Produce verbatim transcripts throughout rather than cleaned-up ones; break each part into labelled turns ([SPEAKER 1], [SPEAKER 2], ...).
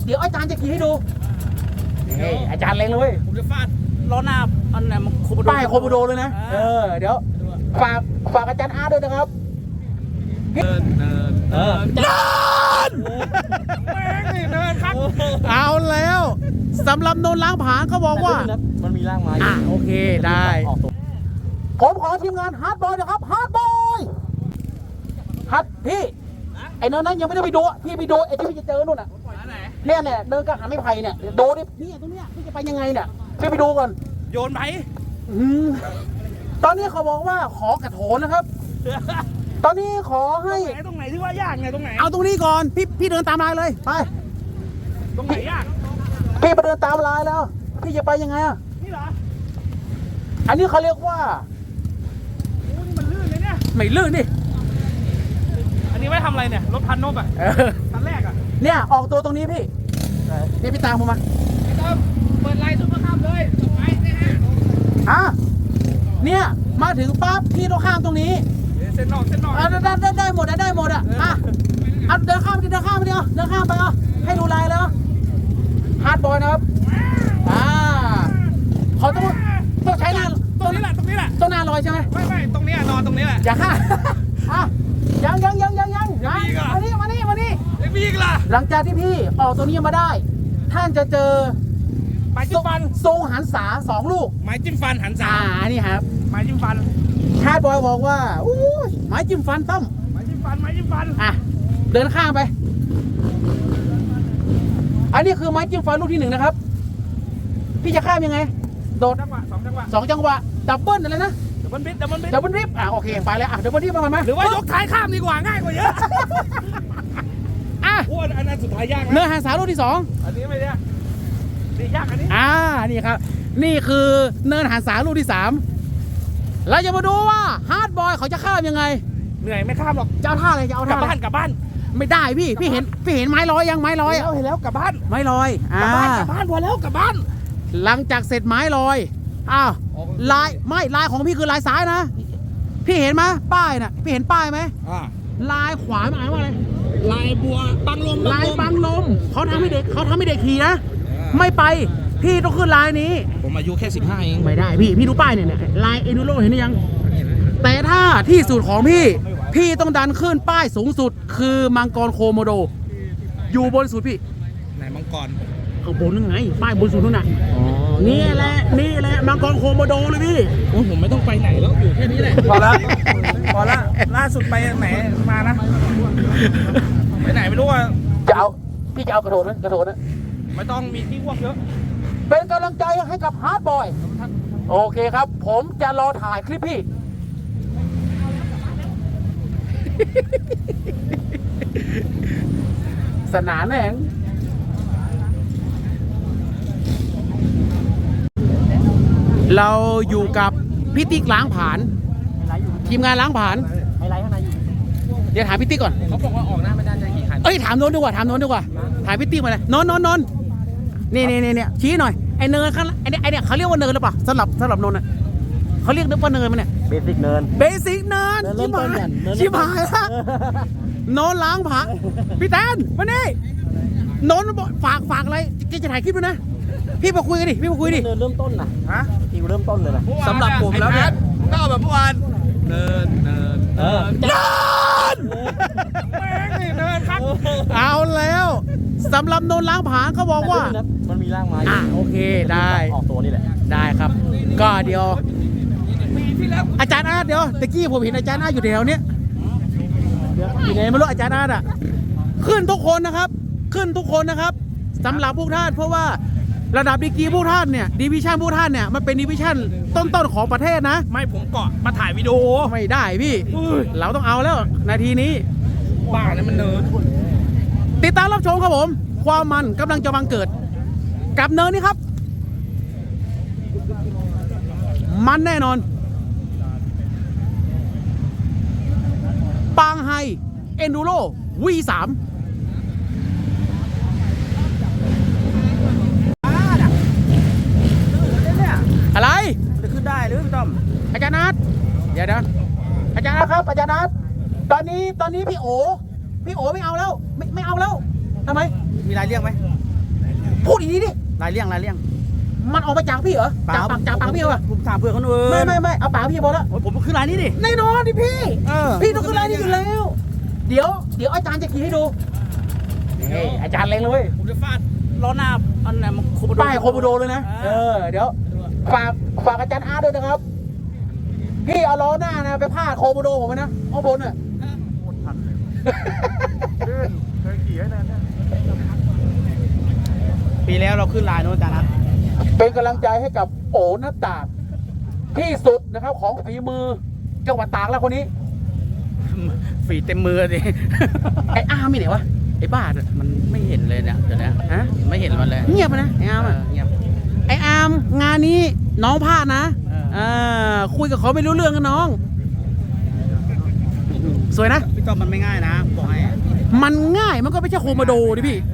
[SPEAKER 1] เดี๋ยวอาจารย์จะขี่ให้ดูนี่อาจารย์เล็งเลย
[SPEAKER 2] ผมจะฟาดล้อหน้าอันไหนมันโคโมโด
[SPEAKER 1] ป้ายโคโมโดเลยนะเออเดี๋ยวฝากฝากอาจารย์อาร์ตด้วยนะครับ
[SPEAKER 2] เดินเดินเดินเดินแม่งนี่เดินครับ
[SPEAKER 1] เอาแล้วสำหรับโนนล้างผางเขาบอกว่า
[SPEAKER 2] มันมีร่างไม้
[SPEAKER 1] อ่ะโอเคได้ผมขอทีมงานฮาร์ดบอยนะครับฮาร์ดบอยฮัดพี่ไอ้เนินนั้นยังไม่ได้ไปดูพี่ไปดูไอ้ที่พี่จะเจอนู่นน่ะเนี่ยเนี่ยเดินกระหันไม่ไผ่เนี่ยดูดิพี่ตรงเนี้ยพี่จะไปยังไงเนี่ยพี่ไปดูก่อน
[SPEAKER 2] โยนไหม
[SPEAKER 1] ตอนนี้เขาบอกว่าขอกระโถนนะครับตอนนี้ขอให้
[SPEAKER 2] ตรงไหนที่ว่ายากไงตรงไหน
[SPEAKER 1] เอาตรงนี้ก่อนพี่พี่เดินตามลายเลยไป
[SPEAKER 2] ตรงไหนยาก
[SPEAKER 1] พี่ไปเดินตามลายแล้วพี่จะไปยังไงอ่ะ
[SPEAKER 2] นี่เหรอ
[SPEAKER 1] อันนี้เขาเรียกว่า
[SPEAKER 2] โอ้นี่มันลื่นเลยเนี่ย
[SPEAKER 1] ไม่ลื่นดิ
[SPEAKER 2] อันนี้ไว้ทำอะไรเนี่ยรถพันนบอ่ะคันแรกอ่ะ
[SPEAKER 1] เนี่ยออกตัวตรงนี้พี่นี่พี่ตามผมมา
[SPEAKER 2] ไอ้ต้อมเปิดไลน์ซุปเปอร์คัพเลยไปนะฮะ
[SPEAKER 1] อ่ะเนี่ยมาถึงปั๊บพี่ต้องข้ามตรงนี้
[SPEAKER 2] เส้นนอกเส้นนอก
[SPEAKER 1] ได้ได้ได้ได้หมดได้หมดอ่ะอ่ะเอาเดินข้ามไปเดินข้ามไปเดียวเดินข้ามไปอ่ะให้ดูลายแล้วฮาร์ดบอยนะครับอ่าเขาต้องต้องใช้หน้า
[SPEAKER 2] ตรงนี้แหละตรงนี้แหละ
[SPEAKER 1] ต้องหน้าลอยใช่ไหม
[SPEAKER 2] ไม่ไม่ตรงนี้นอนตรงนี้แหละ
[SPEAKER 1] อย่าข้าอ่ะยังยังยังยังยังมานี่มานี่มานี่
[SPEAKER 2] ยังมีอีกล่ะ
[SPEAKER 1] หลังจากที่พี่ออกตัวนี้มาได้ท่านจะเจอ
[SPEAKER 2] ไม้จิ้มฟัน
[SPEAKER 1] ทรงหันษาสองลูก
[SPEAKER 2] ไม้จิ้มฟันหันษา
[SPEAKER 1] อ่านี่ครับ
[SPEAKER 2] ไม้จิ้มฟัน
[SPEAKER 1] ฮาร์ดบอยบอกว่าอู้ไม้จิ้มฟันต้อม
[SPEAKER 2] ไม้จิ้มฟันไม้จิ้มฟัน
[SPEAKER 1] อ่ะเดินข้างไปอันนี้คือไม้จิ้มฟันลูกที่หนึ่งนะครับพี่จะข้ามยังไงโดด
[SPEAKER 2] จังหวะสองจังหวะ
[SPEAKER 1] สองจังหวะดับเบิ้ลอะไรนะ
[SPEAKER 2] ดับเบิ้ลบิดดับเบิ้ลบิด
[SPEAKER 1] ดับเบิ้ลริบอ่ะโอเคไปแล้วอ่ะดับเบิ้ลริบมาไหม
[SPEAKER 2] หรือว่ายกท้ายข้ามดีกว่าง่ายกว่าเยอะ
[SPEAKER 1] อ่ะ
[SPEAKER 2] อ้วนอันนั้นสุดท้ายยาก
[SPEAKER 1] เนื้อหาสาลูกที่สอง
[SPEAKER 2] อันนี้ไม่ได้ดียากอันนี้
[SPEAKER 1] อ่านี่ครับนี่คือเนินหาสาลูกที่สามเราจะมาดูว่าฮาร์ดบอยเขาจะข้ามยังไง
[SPEAKER 2] เหนื่อยไม่ข้ามหรอก
[SPEAKER 1] จะเอาท่าอะไรจะเอาท่าก
[SPEAKER 2] ลับบ้านกลับบ้าน
[SPEAKER 1] ไม่ได้พี่พี่เห็นพี่เห็นไม้ลอยยังไม้ลอย
[SPEAKER 2] เห็นแล้วกลับบ้าน
[SPEAKER 1] ไม้ลอย
[SPEAKER 2] กลับบ้านกลับบ้านพอแล้วกลับบ้าน
[SPEAKER 1] หลังจากเสร็จไม้ลอยอ้าวลายไม่ลายของพี่คือลายซ้ายนะพี่เห็นไหมป้ายน่ะพี่เห็นป้ายไหมลายขวาหมายว่าอะไร
[SPEAKER 2] ลายบัวบังลม
[SPEAKER 1] ลายบังลมเขาทำให้เด็กเขาทำให้เด็กขี่นะไม่ไปพี่ต้องขึ้นลายนี้
[SPEAKER 2] ผมอายุแค่สิบห้าเอง
[SPEAKER 1] ไม่ได้พี่พี่ดูป้ายเนี่ยลายเอนูโรเห็นหรือยังแต่ถ้าที่สุดของพี่พี่ต้องดันขึ้นป้ายสูงสุดคือมังกรโคโมโดอยู่บนสุดพี่
[SPEAKER 2] ไหนมังกร
[SPEAKER 1] ข้างบนนั่นไงป้ายบนสุดนู่นน่ะนี่แหละนี่แหละมังกรโคโมโดเลยพี่
[SPEAKER 2] โอ้ผมไม่ต้องไปไหนแล้วอยู่แค่นี้แหละพอละพอละล่าสุดไปไหนมานะไปไหนไม่รู้ว่า
[SPEAKER 1] จะเอาพี่จะเอากระโดดนะกระโดดนะ
[SPEAKER 2] ไม่ต้องมีที่ว่างเยอะ
[SPEAKER 1] เป็นกำลังใจให้กับฮาร์ดบอยโอเคครับผมจะรอถ่ายคลิปพี่สนานแหงเราอยู่กับพี่ติ๊กล้างผานทีมงานล้างผานไฮไลท์ข้างในอยู่เดี๋ยวถามพี่ติ๊กก่อน
[SPEAKER 2] เขาบอกว่าออกหน้าไม่ได้จะกี่คัน
[SPEAKER 1] เอ้ยถามโน้นดีกว่าถามโน้นดีกว่าถามพี่ติ๊กมาเลยโน้นโน้นโน้นนี่นี่นี่ชี้หน่อยไอเนินข้างไอเนี่ยไอเนี่ยเขาเรียกว่าเนินหรือเปล่าสำหรับสำหรับโน้นอ่ะเขาเรียกนึกว่าเนินมันเนี่ย
[SPEAKER 3] เบสิกเนิน
[SPEAKER 1] เบสิกเนินชิบหายชิบหายละโน้นล้างผานพี่แตนมานี่โน้นฝากฝากอะไรจะถ่ายคลิปด้วยนะพี่มาคุยกันดิพี่มาคุยดิ
[SPEAKER 3] เนินเริ่มต้นนะฮะอีกเริ่มต้นเลยนะ
[SPEAKER 2] สำหรับผมแล้วเนี่ยก็แบบเมื่อวานเนินเนินเนิน
[SPEAKER 1] เนิน
[SPEAKER 2] แม่งนี่เนินครับ
[SPEAKER 1] เอาแล้วสำหรับโนนล้างผางเขาบอกว่า
[SPEAKER 3] มันมีร่างไม้
[SPEAKER 1] อ่ะโอเคได้
[SPEAKER 3] ออกตัวนี่แหละ
[SPEAKER 1] ได้ครับก็เดี๋ยวอาจารย์อาร์ตเดี๋ยวตะกี้ผมเห็นอาจารย์อาร์ตอยู่แถวเนี้ยอยู่ไหนไม่รู้อาจารย์อาร์ตอ่ะขึ้นทุกคนนะครับขึ้นทุกคนนะครับสำหรับพวกท่านเพราะว่าระดับดีกรีพวกท่านเนี่ยดิวิชั่นพวกท่านเนี่ยมันเป็นดิวิชั่นต้นๆของประเทศนะ
[SPEAKER 2] ไม่ผมเกาะมาถ่ายวิดีโอ
[SPEAKER 1] ไม่ได้พี่เราต้องเอาแล้วนาทีนี้
[SPEAKER 2] บ้าเนี่ยมันเนิน
[SPEAKER 1] ติดตามรับชมครับผมความมันกำลังจะบังเกิดกับเนินนี่ครับมันแน่นอนปางไฮเอนดูโร วี สามอะไร
[SPEAKER 3] จะขึ้นได้หรือพี่ต้อม
[SPEAKER 1] อาจารย์นัทเดี๋ยวนะอาจารย์นัทครับอาจารย์นัทตอนนี้ตอนนี้พี่โอพี่โอไม่เอาแล้วไม่ไม่เอาแล้วทำไม
[SPEAKER 3] มีรายเรียกไหม
[SPEAKER 1] พูดอีกทีดิ
[SPEAKER 3] ลายเลี่ยงลายเลี่ยง
[SPEAKER 1] มันออกมาจากพี่เหรอจากปากจากปากพี่เหรอ
[SPEAKER 3] ผมถามเพื่อนคนอื่น
[SPEAKER 1] ไม่ไม่ไม่เอาปากพี่พอแล้ว
[SPEAKER 3] โอ้ยผมขึ้นลายนี้ดิ
[SPEAKER 1] แน่นอนดิพี่
[SPEAKER 3] เออ
[SPEAKER 1] พี่ต้องขึ้นไลน์นี้อยู่แล้ว เดี๋ยวเดี๋ยวอาจารย์จะขี่ให้ดูนี่อาจารย์เล็งเลยเว้ย
[SPEAKER 3] ผมจะฟาดล้อหน้าอันไหนมันโคโบโด
[SPEAKER 1] ป้ายโคโมโดเลยนะเออเดี๋ยวฝากฝากอาจารย์อาร์ตด้วยนะครับพี่เอาล้อหน้านะไปพาดโคโมโดผมไปนะข้างบนน่ะ
[SPEAKER 3] ปีแล้วเราขึ้นลายโน้นจานะ
[SPEAKER 1] เป็นกำลังใจให้กับโอหน้าตากที่สุดนะครับของฝีมือจังหวัดตากแล้วคนนี้
[SPEAKER 3] ฝีเต็มมือดิ
[SPEAKER 1] ไอ้อาร์มมีไหนวะไอ้บ้าเนี่ย
[SPEAKER 3] มันไม่เห็นเลยเนี่ยเดี๋ยวนี้
[SPEAKER 1] ฮะ
[SPEAKER 3] ไม่เห็นมันเลย
[SPEAKER 1] เงียบไปนะไอ้อาร์ม
[SPEAKER 3] เอ
[SPEAKER 1] อะ
[SPEAKER 3] อเงียบ
[SPEAKER 1] ไอ้อาร์มงานนี้น้องพลาดนะ
[SPEAKER 3] เออ
[SPEAKER 1] เออคุยกับเขาไม่รู้เรื่องกันน้อง สวยนะ
[SPEAKER 3] พี่ต้อมมันไม่ง่ายนะบอกให้
[SPEAKER 1] มันง่ายมันก็ไม่ใช่โคโมโดดิพี่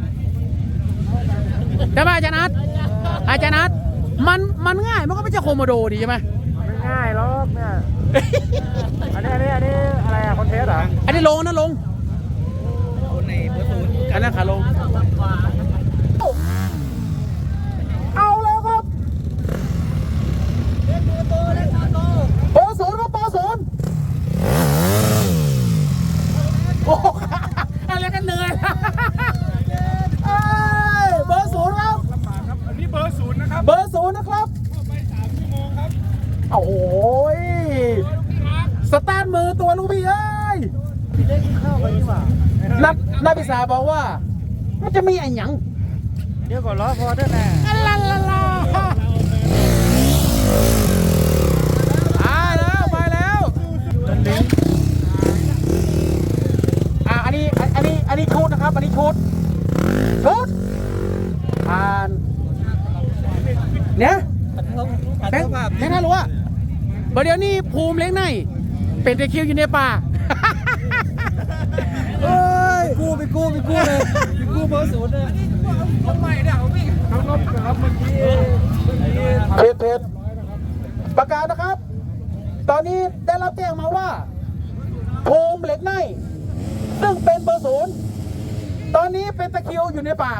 [SPEAKER 1] ใช่ไหมอาจารย์นัทอาจารย์นัทมันมันง่ายมันก็ไม่ใช่โคโมโดดิใช่ไหม
[SPEAKER 3] ไม่ง่ายหรอกเนี่ยอันนี้อันนี้อันนี้อะไรอะคอนเทสต์เหรอ
[SPEAKER 1] อันนี้ลงนะลง
[SPEAKER 3] คนในเบอร์ศูนย์
[SPEAKER 1] อันนั้นขาลงเอาแล้วครับเบอร์ศูนย์ครับเบอร์ศูนย์โอ้โหอะไรกันเหนื่อยเอ้ยเบอร์ศูนย์ครับ
[SPEAKER 2] อันนี้เบอร์ศูนย์นะครับ
[SPEAKER 1] เบอร์ศูนย์นะครับ
[SPEAKER 2] ไปสามชั่วโมงครับ
[SPEAKER 1] โอ้โหยสตาร์ทมือตัวลูกพี่เอ้ย
[SPEAKER 3] เล่นเข้าไปดีกว่า
[SPEAKER 1] นักนักพิษาบอกว่า มันจะมีไอ้หยัง
[SPEAKER 3] เดี๋ยวก่อนล้อพอได้แน่
[SPEAKER 1] อัลลาลาลาอ่าแล้วไปแล้วอ่าอันนี้อันนี้อันนี้ชุดนะครับ อันนี้ชุดชุดผ่านเนี่ยแบงค์แบงค์น่ารู้ว่าเดี๋ยวนี้ภูมิเล้งในเป็นตะคริวอยู่ในป่าเอ้ย
[SPEAKER 3] กู้ไปกู้ไปกู้เลยไปกู้เบอร์ศูนย์เลย
[SPEAKER 2] ทำไมเนี่ยพี่ทั้งรถนะครับเมื่อกี้เมื่อกี้
[SPEAKER 1] เพจเพจประกาศนะครับ ตอนนี้ได้รับแจ้งมาว่าภูมิเหล็กในซึ่งเป็นเบอร์ศูนย์ตอนนี้เป็นตะคริวอยู่ในป่า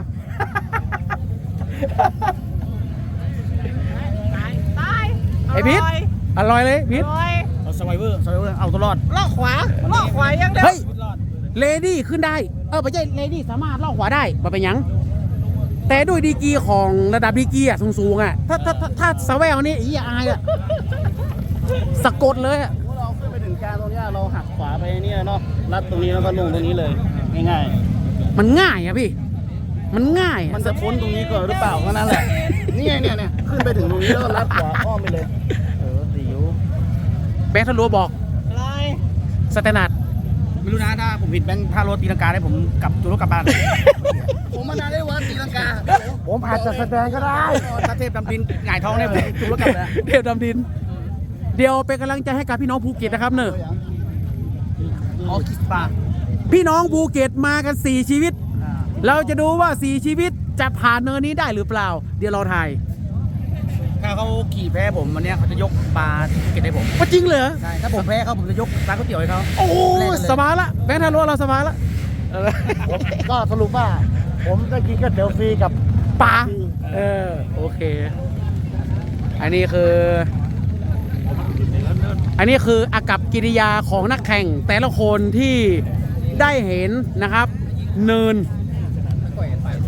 [SPEAKER 1] ไอ้พิษอร่อยเลยพิษ
[SPEAKER 3] เอาสไวเวอร์สไวเวอร์เอาตัวรอด
[SPEAKER 1] ลอกขวา
[SPEAKER 3] ลอกขวายังเดียว
[SPEAKER 1] เฮ้ยเลดี้ขึ้นได้เออไม่ใช่เลดี้สามารถลอกขวาได้มาเป็นหยัง แต่ด้วยดีกรีของระดับดีกรีอ่ะสูงๆอ่ะถ้าถ้าถ้าถ้าสแวลนี่อีอายอ่ะสะกดเลยอ่ะ
[SPEAKER 3] เราขึ้นไปถึงกลางตรงนี้เราหักขวาไปนี่เนาะลัดตรงนี้แล้วก็ลงตรงนี้เลยง่าย
[SPEAKER 1] มันง่ายอ่ะพี่ มันง่าย
[SPEAKER 3] ๆ
[SPEAKER 1] อะ
[SPEAKER 3] มันจะพ้นตรงนี้ก่อนหรือเปล่าก็นั่นแหละนี่ไงเนี่ยเนี่ยขึ้นไปถึงตรงนี้แล้วก็ลัดขวาอ้อมไปเลยเออดิว
[SPEAKER 1] แบงค์ทะลัวบอก
[SPEAKER 3] อะไร
[SPEAKER 1] สแตนดาร์ด
[SPEAKER 3] ไม่รู้นะถ้าผมผิดแบงค์ถ้ารถตีลังกาได้ผมกลับจูรถกลับบ้าน ผมมานานได้วันตีลังกา ผมอาจจะแสดงก็ได้ถ้าเทพดำดินหงายท้องเนี่ยผมจูรถกลับเลย
[SPEAKER 1] เทพดำดิน เดี๋ยวเป็นกำลังใจให้กับพี่น้องภูเก็ตนะครับเนอะ
[SPEAKER 3] ออคิสปา
[SPEAKER 1] พี่น้องภูเก็ตมากันสี่ชีวิต เราจะดูว่าสี่ชีวิตจะผ่านเนินนี้ได้หรือเปล่า เดี๋ยวเราถ่าย
[SPEAKER 3] ถ้าเขาขี่แพ้ผมวันเนี้ยเขาจะยกปลาที่ภูเก็ตให้ผม
[SPEAKER 1] ว่าจริงเหรอ
[SPEAKER 3] ใช่ถ้าผมแพ้เขาผมจะยกร้านก๋วยเตี๋ยวให้เขา
[SPEAKER 1] โอ้โห
[SPEAKER 3] แลกกันเลย
[SPEAKER 1] สบายละแบงค์ทะลัวเราสบายละ
[SPEAKER 3] ก็สรุปว่า ผมจะกินก๋วยเตี๋ยวฟรีกับ
[SPEAKER 1] ปลาเออโอเค อันนี้คือ อันนี้คืออากับกิริยาของนักแข่งแต่ละคนที่ได้เห็นนะครับ เนิน